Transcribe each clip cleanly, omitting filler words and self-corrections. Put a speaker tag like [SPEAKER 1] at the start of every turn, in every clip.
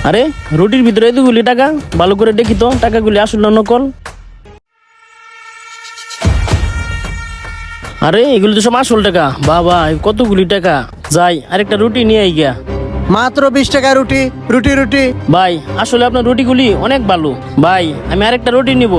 [SPEAKER 1] আরে রুটির ভিতরে এতগুলি টাকা, ভালো করে দেখি তো টাকাগুলি আসল না নকল। আরে এগুলি তো সব আসল টাকা। বাবা কতগুলি টাকা। যাই আরেকটা রুটি নিয়ে আই গিয়া।
[SPEAKER 2] মাত্র 20 টাকা রুটি রুটি রুটি।
[SPEAKER 1] ভাই আসলে আপনার রুটিগুলি অনেক ভালো। ভাই আমি আরেকটা রুটি নিব।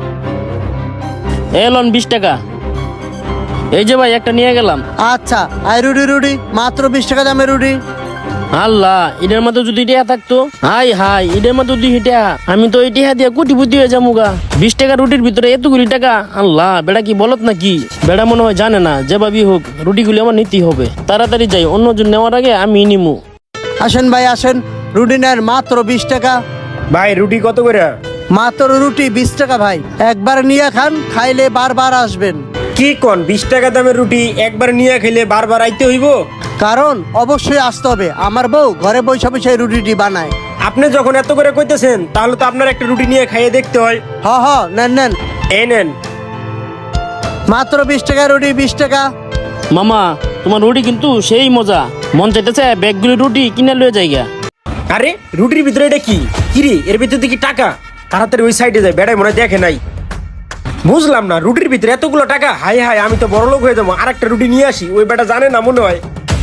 [SPEAKER 1] এলন 20 টাকা। এই যে ভাই একটা নিয়ে গেলাম।
[SPEAKER 2] আচ্ছা আই রুটি রুটি মাত্র 20 টাকা দামে রুটি।
[SPEAKER 1] আল্লাহ এটার মধ্যে যদি টিয়া থাকতো, হাই হাই এটার মধ্যে দুই টিয়া, আমি তো এই টিয়া দিয়ে কোটিপতি হয়ে যাবো গা। 20 টাকা রুটির ভিতরে এতগুলি টাকা। আল্লাহ বেড়া কি বলত নাকি? বেড়া মনে হয় জানে না, যেভাবেই হোক রুটিগুলি আমার নিতেই হবে। তাড়াতাড়ি যাই, অন্যজন নেওয়ার আগে আমি নিমু।
[SPEAKER 2] আসেন ভাই আসেন, রুটি নেন মাত্র 20 টাকা।
[SPEAKER 3] ভাই রুটি কত করে?
[SPEAKER 2] মাত্র রুটি 20 টাকা ভাই, একবার নিয়ে খান, খাইলে বারবার আসবেন।
[SPEAKER 3] কি কোন 20 টাকা দামের রুটি একবার নিয়ে খেলে বারবার আইতে হইব?
[SPEAKER 2] কারণ অবশ্যই আসতে হবে, আমার বউ ঘরে বসে বসে এই রুটিটি বানায়।
[SPEAKER 3] আপনি যখন এত করে কইতেছেন তাহলে তো আপনার একটা রুটি নিয়ে খাইয়ে দেখতে হয়।
[SPEAKER 2] হ হ নেন নেন,
[SPEAKER 3] এই নেন।
[SPEAKER 2] মাত্র 20 টাকা রুটি 20 টাকা।
[SPEAKER 1] মামা তোমার রুটি কিন্তু সেই মজা, মন চাইতেছে ব্যাগগুলি রুটি কিনে লয়ে যাইগা।
[SPEAKER 3] আরে রুটির ভিতরে এটা কি? কিরে এর ভিতরে দেখি টাকা। তাড়াতাড়ি ওই সাইডে যায়, বেড়াই মনে হয় দেখে নাই। বুঝলাম না রুটির ভিতরে এতগুলো টাকা। হাই হাই আমি তো বড় লোক হয়ে যাবো। আর একটা রুটি নিয়ে আসি, ওই বেটা জানে না মনে হয়।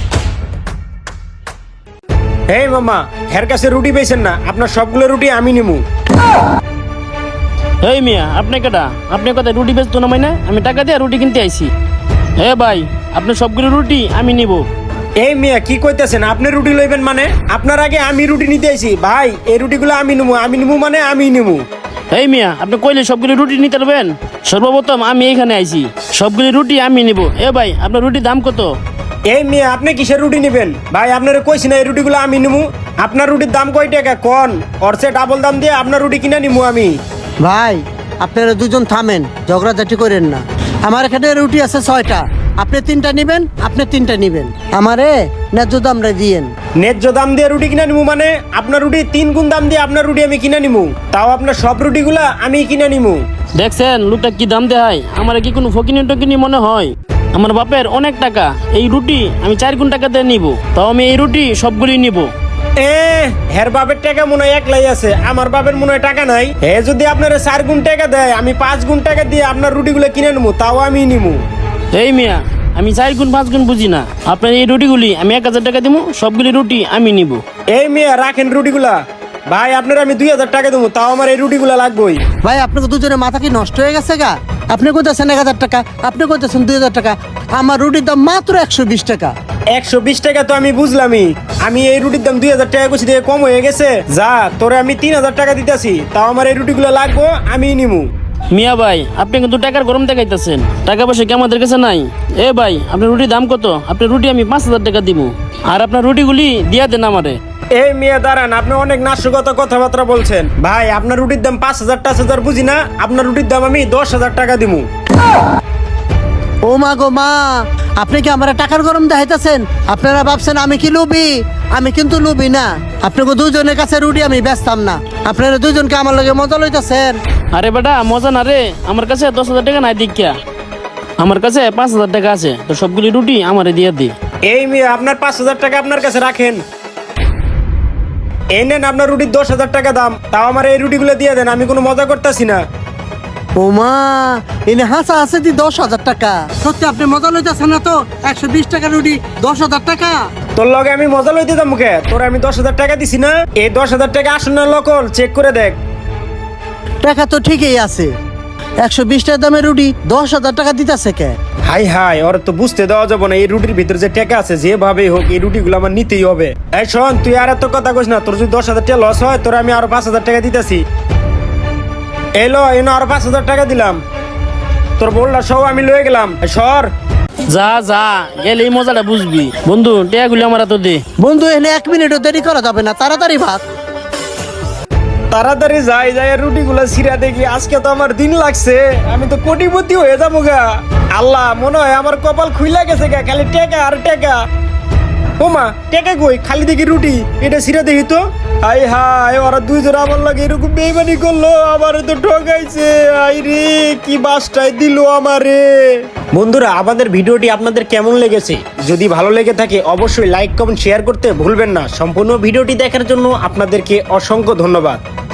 [SPEAKER 3] এই মামা, হের কাছে রুটি পেয়েছেন না, আপনার সবগুলো রুটি আমি নিমু।
[SPEAKER 1] এই মিয়া আপনি কেটা? আপনি কোথায় রুটি বেচতো না মাইনা? আমি টাকা দিয়ে রুটি কিনতে আইছি। হে ভাই আপনার সবগুলো রুটি আমি নিব।
[SPEAKER 3] এই মিয়া কি কইতেছেন? আপনি রুটি লইবেন মানে? আপনার আগে আমি রুটি নিতে আইছি। ভাই এই রুটিগুলো আমি নিমু মানে আমি নিমু।
[SPEAKER 1] এই মিয়া আপনি কইলে সবগুলি রুটি নিতে পারবেন? সর্বপ্রথম আমি এইখানে আইছি, সবগুলি রুটি আমি নিব। এ ভাই আপনার রুটির দাম কত?
[SPEAKER 3] এই মিয়া আপনি কিসের রুটি নেবেন? ভাই আপনারে কইছি না এই রুটিগুলো আমি নিমু। আপনার রুটির দাম কয় টাকা কোন? অর্চে ডাবল দাম দিয়ে আপনার রুটি কিনে নিমু আমি।
[SPEAKER 2] ভাই আপনারা দুজন থামেন, ঝগড়াঝাটি করেন না। আমার এখানে রুটি আছে 6টা, আপনি 3টা নিবেন, আপনি 3টা নিবেন, আমারে ন্যায্য দামটা দিয়েন।
[SPEAKER 3] ন্যায্য দাম দিয়ে রুটি কিনে নিমু মানে? আপনার রুটি 3 গুণ দাম দিয়ে আপনার রুটি আমি কিনে নিমু, তাও আপনার সব রুটিগুলা আমি কিনে নিমু।
[SPEAKER 1] দেখছেন লোকটা কি দাম দেয়? আমার কি কোনো ফকিনি টকিনি মনে হয়? আমার বাপের অনেক টাকা, এই রুটি আমি 4 গুণ টাকা দিয়ে নিব, তাও আমি এই রুটি সবগুলি নিব।
[SPEAKER 3] হের বাপের টাকা মনে হয় একলাই আছে, আমার বাপের মনে হয় টাকা নাই। হে যদি আপনার 4 গুণ টাকা দেয়, আমি 5 গুণ টাকা দিয়ে আপনার রুটিগুলো কিনে নিমু, তাও আমি নিমু।
[SPEAKER 1] এই মিয়া আমি 4 গুণ 5 গুণ বুঝি না। আপনার এই রুটিগুলি আমি 1000 টাকা দিব, সবগুলি রুটি আমি নিব।
[SPEAKER 3] এই মিয়া রাখেন রুটিগুলা। ভাই আপনার আমি 2000 টাকা দেবো, তাও আমার এই রুটিগুলা লাগবেই।
[SPEAKER 2] ভাই আপনাকে দুজনের মাথা কি নষ্ট হয়ে গেছে গা? আপনি কইতেছেন 1000 টাকা, আপনি কইতেছেন 2000 টাকা। আমার রুটির দাম মাত্র 120 টাকা।
[SPEAKER 3] 120 টাকা তো আমি বুঝলামই, আমি এই রুটির দাম 2000 টাকা কইছি, দিয়ে কম হয়ে গেছে। যা তোরে আমি 3000 টাকা দিতেছি, তাও আমার এই রুটিগুলো লাগবো, আমি নিমু।
[SPEAKER 1] মিয়া ভাই আপনি কিন্তু টাকার গরম দেখাইতেছেন, টাকা পয়সা কি আমাদের কাছে নাই? এ ভাই আপনার রুটির দাম কত? আপনার রুটি আমি 5000 টাকা দিব, আর আপনার রুটিগুলি দিয়া দেন আমারে।
[SPEAKER 3] এই মিয়া দাঁড়ান, আপনি অনেক নাশকতা কথাবার্তা বলছেন। ভাই আপনার রুটির দাম 5000 টাকা বুঝি না, আপনার রুটির দাম আমি 10,000 টাকা দিমু।
[SPEAKER 2] ও মা গো মা, আপনি কি আমার টাকার গরম দেখাইতেছেন? আপনারা ভাবছেন আমি কি লুবি? আমি কিন্তু লুবি না। আপনাকে দুজনের কাছে রুটি আমি বেচতাম না, আপনারা দুজনকে আমার লগে মজা লইতেছেন।
[SPEAKER 1] আরে বেটা মজা না রে, আমার কাছে 10,000 টাকা নাই দীক্ষা, আমার কাছে 5000 টাকা আছে, তো সবগুলি রুটি আমারে দিয়ে দি।
[SPEAKER 3] এই মিয়া আপনার 5000 টাকা আপনার কাছে রাখেন। এই নেন আপনার রুটির 10,000 টাকা দাম, তাও আমার এই রুটিগুলো দিয়ে দেন, আমি কোনো মজা করতেছি না।
[SPEAKER 2] ও মা, এনে হাসা আছে দি 10,000 টাকা। সত্যি আপনি মজা লইতেছেন না তো? 120 টাকা রুটি 10,000 টাকা।
[SPEAKER 3] তোর লগে আমি মজা লইতে দাম মুখে, তোর আমি 10,000 টাকা দিছি না? এই 10,000 টাকা আসুন না লোকল, চেক করে দেখ।
[SPEAKER 2] টাকা তো ঠিকই আছে, 120 টাকা দামের রুটি 10,000 টাকা দিতেছে কে?
[SPEAKER 3] হাই হাই, ওর তো বুঝতে দেওয়া যাবে না এই রুটির ভিতরে যে টাকা আছে, যেভাবেই হোক এই রুটিগুলো আমার নিতেই হবে। এই শোন, তুই আর এত কথা কইস না, তোর যদি 10,000 টাকা লস হয়, তোর আমি আরো 5,000 টাকা দিতেছি। এলো এনো আরো 5,000 টাকা দিলাম, তোর বললা সব আমি লয়ে গেলাম। সর
[SPEAKER 1] যা যা, গেলে এই মজাটা বুঝবি। বন্ধু টাকাগুলি আমার তো দে।
[SPEAKER 2] বন্ধু এনে 1 মিনিটও দেরি করা যাবে না, তাড়াতাড়ি ভাগ।
[SPEAKER 3] তাড়াতাড়ি যাই যাই রুটিগুলো ছিঁড়া দেখি, আজকে তো আমার দিন লাগছে, আমি তো কোটিপতি হয়ে যাবো গা। আল্লাহ মনে হয় আমার কপাল খুইলা গেছে গা, খালি টাকা আর টাকা। ও মা টাকা কই খালি দেখি রুটি এটা সিরা দেখি তো হাই হাই ওরা দুইজন আমার লাগে এরকম বেইমানি করলো আমারে তো ঠকাইছে আই রে কি বাসটাই দিল আমারে বন্ধুরা আমাদের ভিডিওটি আপনাদের কেমন লেগেছে যদি ভালো লেগে থাকে অবশ্যই লাইক কমেন্ট শেয়ার করতে ভুলবেন না সম্পূর্ণ ভিডিওটি দেখার জন্য আপনাদেরকে অসংখ্য ধন্যবাদ।